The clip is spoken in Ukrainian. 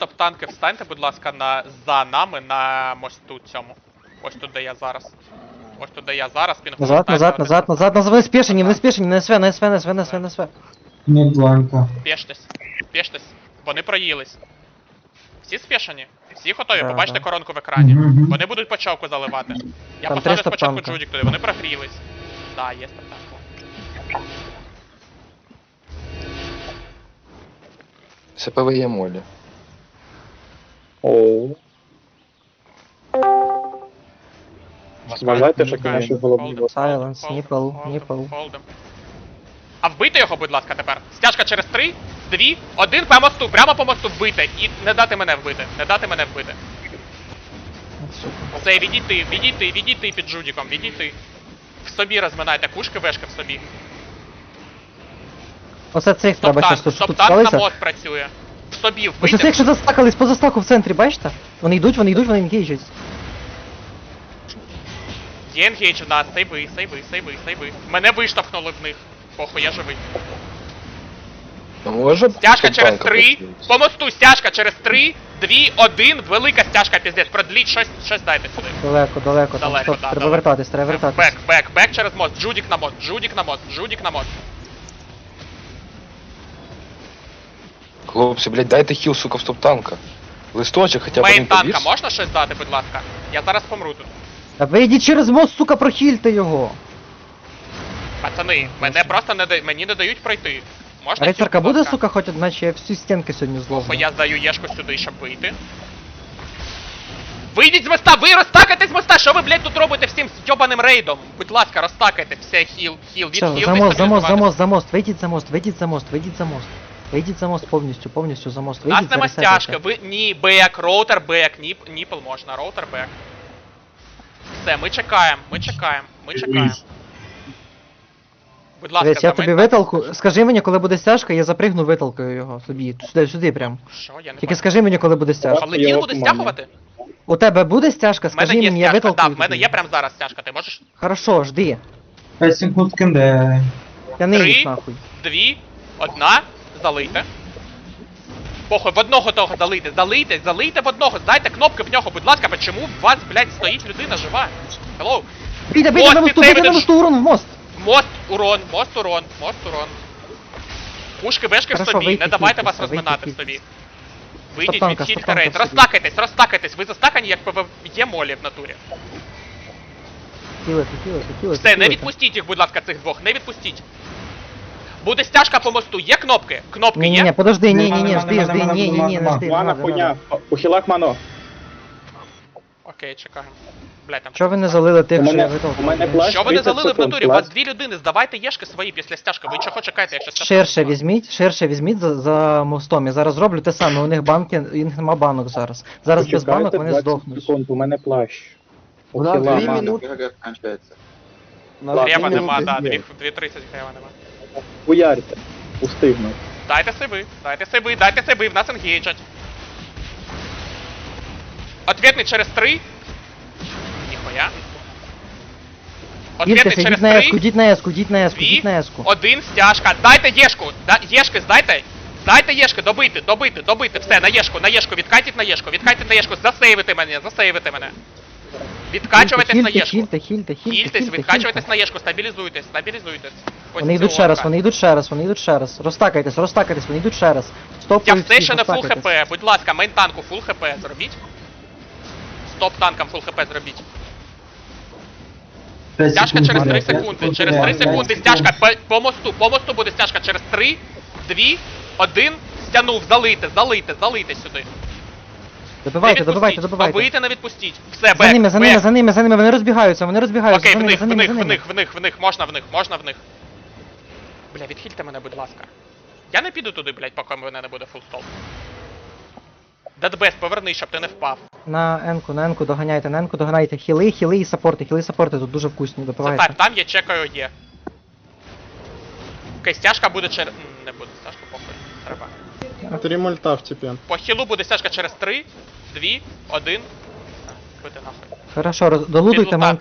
Топ-танки, встаньте, будь ласка, за нами на мосту цьому. Ось тут, де я зараз. Ось тут, де я зараз, пінгпост. Назад, вони спешені, на СВ. Не бланка. Спєштесь. Вони проїлись. Всі спешені? Всі готові? Да, Побачите да. коронку в екрані. Мгм. Вони будуть по човку заливати. Я Там посаджу 300 спочатку танка. Джудік туди, вони прогрілись. Да, є топ-танк. СПВ є молі. Оу. Вважайте, що Чекаємо. наші головні Холдем, Silence, холдем, nipple, холдем, nipple. холдем. А вбити його, будь ласка, тепер. Стяжка через 3, 2, 1 по мосту, прямо по мосту вбити. І не дати мене вбити. Все, відійти під Джудіком, відійти. В собі розминайте кушки, вешки в собі. Оце цих треба щас тут Стоп-танк на спалися. мост працює. В собі Ось вбити. цих, що застакались по застаку в центрі, бачите? Вони йдуть, вони енгейджать. Є енгейдж в нас, сейви. Мене виштовхнули в них. Похуй, я живий. Може Стяжка через топ-танка 3, послухати? по мосту стяжка через 3, 2, 1, велика стяжка, піздець, продліть, щось дайте сюди. Далеко, там Далеко, стоп, да, треба далеко. вертатись. Бек через мост, Джудік на мост. Хлопці, блядь, дайте хіл, сука, в топ-танка. Листочок хоча б Мейн один танка повіс. можна щось дати, будь ласка? Я зараз помру тут. Та вийдіть через мост, сука, прохильте його. Пацани, мені не дають пройти. Можна Рицарка хіл, будь буде, ласка? сука, хоч одна, чи я всі стінки сьогодні Бо зловлю? я здаю єшку сюди, щоб вийти. Вийдіть з моста, ви розтакайтесь з моста, що ви, блядь, тут робите всім йобаним рейдом? Будь ласка, розтакайте, все, хіл, Все, за мост, вийдіть за мост, повністю за мост, У нас вийдіть, нема заресетайте. стяжки, ви, бек, роутер, бек, ніпл можна, роутер, бек. Все, ми чекаємо. Будь ласка, Дивись, я за тобі мейн- виталку, скажи мені, коли буде стяжка, я запригну виталкою його собі, сюди прям. Що, я не Тільки бачу. скажи мені, коли буде стяжка. Але він буде стягувати? У тебе буде стяжка, В мене скажи є мені, я стяжка, виталкую так, в мене тобі. є прямо зараз стяжка, ти можеш? Хорошо, жди. 5 секунд кенде. Я не їх 3, нахуй. 2, 1, залийте. Похуй, в одного того залийте в одного, здайте кнопки в нього, будь ласка, почему у вас, блядь, стоїть людина жива? Hello? Бійте Мост на мосту, підсейвити на мосту, урон в мост. Мост, урон. Пушки, вешки в Хорошо, собі, вийти не давайте вас хілитися, розминати в вийти собі. Вийдіть, Стоп-танка, відхильте стоп-танка рейд, в собі. розтакайтесь, ви застакані, як є молі в натурі. Хілити. Все, не відпустіть їх, будь ласка, цих двох, не відпустіть. Буде стяжка по мосту, є кнопки? Кнопки Ні, є? подожди, ні, Нема, жди, не жди. Мана хуйня, ухилак мано. Окей, чекаємо. Блядь, там. Чого ви не залили тих, У що я мене виталкував? плащ Що ви не 30 залили в секунд, натурі? У вас плащ. дві людини, здавайте єшки свої після стяжки, ви чого чекаєте, якщо стяжка? Ширше візьміть за мостом. Я зараз роблю те саме, у них нема банок зараз. Зараз без банок Почекайте вони 20 здохнуть. секунд, у мене плащ. У нас Ухила 2 мано. минути. Грева нема, да, є. 2.30 грева нема. Хуярте. Устигну. Дайте сейви, в нас енгейджать. Ответний через 3. Ніхуя. Ответний Дільтеся, через йдіть на еску, 3, йдіть на еску. 1, стяжка. Дайте єшку, єшки здайте. Дайте єшки, добити, все, на єшку, відкатіть на єшку, засейвити мене. Відкачуватись на єшку. Хільтесь, відкачуйтесь на єшку, стабілізуйтесь. Вони йдуть ще раз. Розтакайтесь, вони йдуть ще раз. Стоп, Я все ще не фул хп, будь ласка, мейн танку фул хп зробіть. Стоп танкам фул хп зробіть. Стяжка через 3 секунди, стяжка по мосту буде стяжка через 3, 2, 1, стянув, залийте сюди. Добивайте. Добийте, не відпустіть. Все, За ними, вони розбігаються, Окей, за ними. в них, можна в них. Бля, відхильте мене, будь ласка. Я не піду туди, блядь, поки мене не буде фул стол. Дедбест, поверни, щоб ти не впав. На енку доганяйте. Хіли і саппорти тут дуже вкусні, Це допивайте. так, там є, чекаю, є. Окей, стяжка буде через... Не буде стяжка, похуй, треба. 3 мульта в типі. По хілу буде стяжка через 3, 2, 1. Бити нахуй. Хорошо, долутуйте Підлута.